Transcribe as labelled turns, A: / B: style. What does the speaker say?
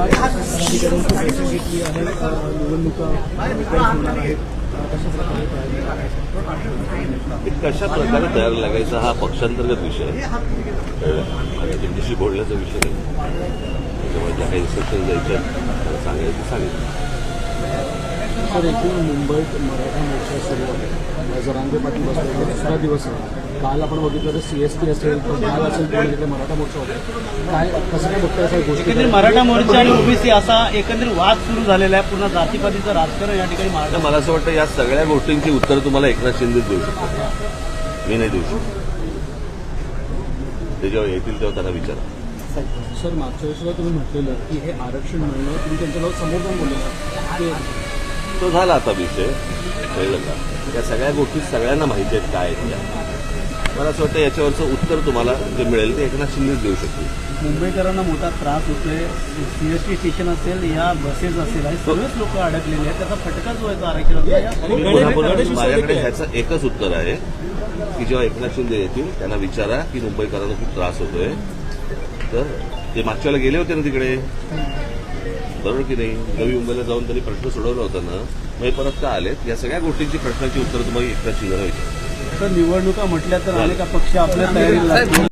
A: कशा प्रकारे तयार लागायचा हा पक्षांतर्गत विषय आहे. तुमच्याशी बोलण्याचा विषय नाही. त्याच्यामुळे ज्या काही इन्स्ट्रक्शन द्यायच्या सांगायचं सांगितलं.
B: सर, एकूण मुंबईत मराठा मोर्चा सुरू आहे. जरांगे पाटील बसले दुसरा दिवस आहे. काल आपण बघितलं तर CST असेल, काल असेल, तिकडे मराठा मोर्चा होता. काय कसं काय बघताय सर गोष्टी?
C: मराठा मोर्चा आणि ओबीसी असा एकंदरीत वाद सुरू झालेला आहे. पूर्ण जातीपातीचं राजकारण या ठिकाणी
A: मला असं वाटतं या सगळ्या गोष्टींची उत्तर तुम्हाला एकनाथ शिंदेच देऊ शकतो. मी नाही देऊ शकतो. ते जेव्हा येतील तेव्हा त्यांना विचारा.
B: सर, मागच्या वेळेला तुम्ही म्हटलेलं की हे आरक्षण मिळणं तुम्ही त्यांच्याजवळ समोर जाऊन बोललेलं
A: तो झाला आता विषय. कळलं का? या सगळ्या गोष्टी सगळ्यांना माहिती आहेत काय आहेत त्या. मला असं वाटतं याच्यावरचं उत्तर तुम्हाला जे मिळेल ते एकनाथ शिंदेच देऊ शकतो.
C: मुंबईकरांना मोठा त्रास होतोय. CST स्टेशन असेल, या बसेस असेल, आणि सर्वच लोक अडकलेले आहेत. त्याचा फटका जो आहे तो आरक्षणाचा.
A: माझ्याकडे ह्याचं एकच उत्तर आहे की जेव्हा एकनाथ शिंदे येतील त्यांना विचारा की मुंबईकरांना खूप त्रास होतोय. तर ते मागच्या वेळेला गेले होते ना तिकडे, बरोबर की नाही? नवी मुंबईला जाऊन त्यांनी प्रश्न सोडवला होता ना, मग हे परत का आलेत? या सगळ्या गोष्टींची प्रश्नांची उत्तर तुम्हाला एकनाथ शिंदेला विचारा.
C: निवडणुका म्हटल्या तर अनेक पक्ष आपल्या तयारीला